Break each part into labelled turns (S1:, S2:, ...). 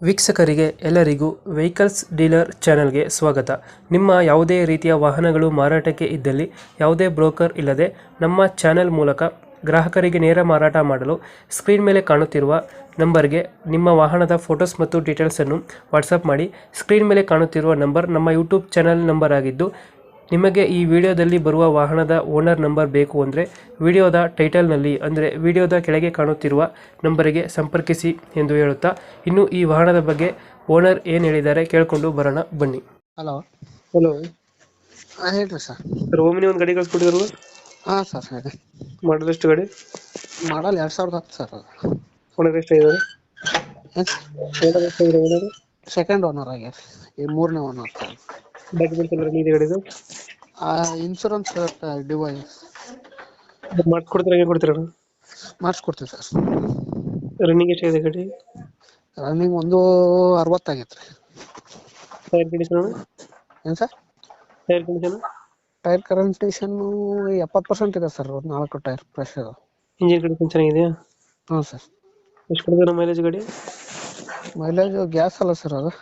S1: ವೀಕ್ಷಕರಿಗೆ ಎಲ್ಲರಿಗೂ vehicles dealer ಚಾನೆಲ್ಗೆ ಸ್ವಾಗತ. ನಿಮ್ಮ ಯಾವುದೇ ರೀತಿಯ ವಾಹನಗಳು ಮಾರಾಟಕ್ಕೆ ಇದ್ದಲ್ಲಿ ಯಾವುದೇ ಬ್ರೋಕರ್ ಇಲ್ಲದೆ ನಮ್ಮ ಚಾನೆಲ್ ಮೂಲಕ ಗ್ರಾಹಕರಿಗೆ ನೇರ ಮಾರಾಟ ಮಾಡಲು ಸ್ಕ್ರೀನ್ ಮೇಲೆ ಕಾಣುತ್ತಿರುವ ನಂಬರ್ಗೆ ನಿಮ್ಮ ವಾಹನದ ಫೋಟೋಸ್ ಮತ್ತು ಡೀಟೇಲ್ಸನ್ನು ವಾಟ್ಸಪ್ ಮಾಡಿ. ಸ್ಕ್ರೀನ್ ಮೇಲೆ ಕಾಣುತ್ತಿರುವ ನಂಬರ್ ನಮ್ಮ ಯೂಟ್ಯೂಬ್ ಚಾನೆಲ್ ನಂಬರ್ ಆಗಿದ್ದು, ನಿಮಗೆ ಈ ವಿಡಿಯೋದಲ್ಲಿ ಬರುವ ವಾಹನದ ಓನರ್ ನಂಬರ್ ಬೇಕು ಅಂದರೆ ವಿಡಿಯೋದ ಟೈಟಲ್ನಲ್ಲಿ ಅಂದರೆ ವಿಡಿಯೋದ ಕೆಳಗೆ ಕಾಣುತ್ತಿರುವ ನಂಬರಿಗೆ ಸಂಪರ್ಕಿಸಿ ಎಂದು ಹೇಳುತ್ತಾ, ಇನ್ನು ಈ ವಾಹನದ ಬಗ್ಗೆ ಓನರ್ ಏನು ಹೇಳಿದ್ದಾರೆ ಕೇಳಿಕೊಂಡು ಬರೋಣ ಬನ್ನಿ.
S2: ಹಲೋ.
S1: ಹಲೋ
S2: ಹೇಳ್ರಿ ಸರ್.
S1: ಸರ್, ಓಮಿನಿ ಒಂದು ಗಾಡಿ ಕಳ್ಸ್ಕೊಟ್ಟಿದ್ರು.
S2: ಹಾಂ ಸರ್, ಹೇಳಿ.
S1: ಮಾಡಲ್ ಎಷ್ಟು ಗಾಡಿ?
S2: Model 2010 sir. ಅದು
S1: ಓನರ್ ಎಷ್ಟಾಗಿದ್ದಾರೆ? ಓನರ್ ಎಷ್ಟಾಗಿದೆ? ಓನರ್
S2: ಸೆಕೆಂಡ್ ಓನರ್ ಆಗ್ಯಾರ, ಈ 3ನೇ ಓನರ್ ಸರ್.
S1: ಡಾಕ್ಯುಮೆಂಟ್ಸ್ ಎಲ್ಲ ರನ್ನಿಂಗ್ ಇದೆ ಗಾಡಿದು?
S2: ಇನ್ಶೂರೆನ್ಸ್ ಡಿವೈಸ್
S1: ಮಾಡಿಸ್ಕೊಡ್ತೀರ, ಹೇಗೆ ಕೊಡ್ತೀರ?
S2: ಮಾಡಿಸ್ಕೊಡ್ತೀವಿ ಸರ್.
S1: ರನ್ನಿಂಗ್ ಎಷ್ಟಾಗಿದೆ ಗಾಡಿ?
S2: ರನ್ನಿಂಗ್ 160 ಆಗೈತೆ ರೀ.
S1: Tyre condition?
S2: ಏನು sir?
S1: Tyre condition?
S2: Tyre condition 70% ಇದೆ ಸರ್. 4 ಟೈರ್ ಫ್ರೆಶ್ ಇದೆ.
S1: ಇಂಜಿನ್ ಕಂಡೀಷನ್ ಚೆನ್ನಾಗಿದೆಯಾ?
S2: ಹ್ಞೂ ಸರ್.
S1: ಎಷ್ಟು ಕೊಡ್ತೀರ ಮೈಲೇಜ್ ಗಾಡಿ?
S2: ಮೈಲೇಜ್ ಗ್ಯಾಸ್ ಅಲ್ಲ ಸರ್ ಅದು.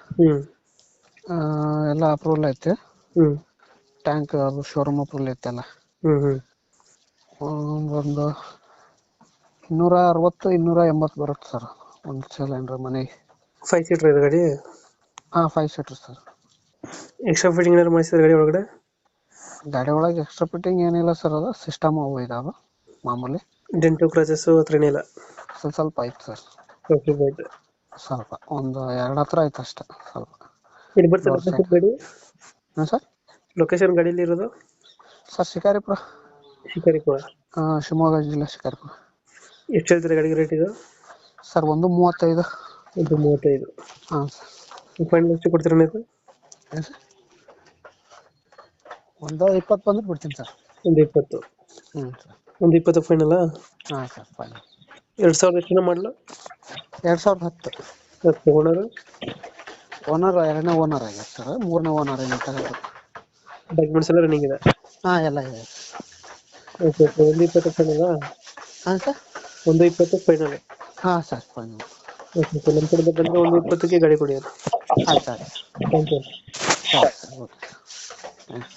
S2: ಎಲ್ಲ ಅಪ್ರೂವಲ್ ಐತೆ. ಟ್ಯಾಂಕ್ ಅದು ಶೋರೂಮ್ ಅಪ್ರೂವಲ್ ಐತೆಲ್ಲ. ಒಂದು 260-280 ಬರುತ್ತೆ ಸರ್ ಒಂದು ಸಿಲಿಂಡ್ರ್ ಮನೆಗೆ.
S1: 5 ಸೀಟರ್ ಇದೆ ಗಾಡಿ?
S2: ಹಾಂ, 5 ಸೀಟರ್ ಸರ್.
S1: ಎಕ್ಸ್ಟ್ರಾ ಫಿಟ್ಟಿಂಗ್ ಏನಾದ್ರು ಮಾಡಿಸಿದ್ರೆ ಗಾಡಿ ಒಳಗಡೆ?
S2: ಗಾಡಿ ಒಳಗೆ ಎಕ್ಸ್ಟ್ರಾ ಫಿಟ್ಟಿಂಗ್ ಏನಿಲ್ಲ ಸರ್. ಅದು ಸಿಸ್ಟಮ್ ಅವು ಇದಾವೆ ಮಾಮೂಲಿ.
S1: ಡೆಂಟು ಕ್ರಾಚಸ್ಸು ಹತ್ರ ಏನಿಲ್ಲ?
S2: ಸ್ವಲ್ಪ ಐತೆ ಸರ್. ಸ್ವಲ್ಪ ಒಂದು 2 ಹತ್ರ ಐತೆ ಅಷ್ಟೇ. ಸ್ವಲ್ಪ
S1: ಇಲ್ಲಿ ಬರ್ತದೆ ಲೊಕೇಶನ್ ಗಾಡಿ?
S2: ಹಾಂ ಸರ್.
S1: ಲೊಕೇಶನ್ ಗಾಡಿಯಲ್ಲಿ ಇರೋದು
S2: ಸರ್ ಶಿಕಾರಿಪುರ.
S1: ಶಿಕಾರಿಪುರ?
S2: ಶಿವಮೊಗ್ಗ ಜಿಲ್ಲೆ ಶಿಕಾರಿಪುರ.
S1: ಎಷ್ಟು ಹೇಳ್ತೀರಾ ಗಾಡಿಗೆ ರೇಟ್ ಇದು?
S2: ಸರ್ 135.
S1: 135?
S2: ಹಾಂ ಸರ್.
S1: ಫೈನಲ್ ಎಷ್ಟು ಕೊಡ್ತೀರಾ ನೀವು?
S2: ಏನು ಸರ್? 120 ಬಂದ್ರೆ ಬಿಡ್ತೀನಿ ಸರ್.
S1: 120?
S2: ಹ್ಞೂ ಸರ್.
S1: 120 ಫೈನಲ್ಲ?
S2: ಹಾಂ ಸರ್, ಫೈನಲ್.
S1: 2000 ಎಷ್ಟು ಮಾಡಲು?
S2: 2010.
S1: 10 ಓನರು?
S2: ಓನರ್ 2ನೇ ಓನರ್ ಆಗ್ಯಾರ ಸರ್. 3ನೇ ಓನರ್ ಏನು ತಗೋದು.
S1: ಡಾಕ್ಯುಮೆಂಟ್ಸ್ ಎಲ್ಲ ರನ್ನಿಂಗ್ ಇದೆ?
S2: ಹಾಂ, ಎಲ್ಲ ಇದೆ.
S1: Okay okay. 120 ಫೈನಲ್ಲ?
S2: ಹಾಂ ಸರ್.
S1: 120 ಫೈನಲ್?
S2: ಹಾಂ ಸರ್, ಫೈನಲ್.
S1: Okay okay. ನಮ್ಮ ಕಡೆಯಿಂದ ಬಂದರೆ 120ಕ್ಕೆ ಗಾಡಿ ಕೊಡಿ.
S2: ಆಯ್ತು ಆಯ್ತು.
S1: Thank you.
S2: ಸರಿ ಸರ್, ಓಕೆ.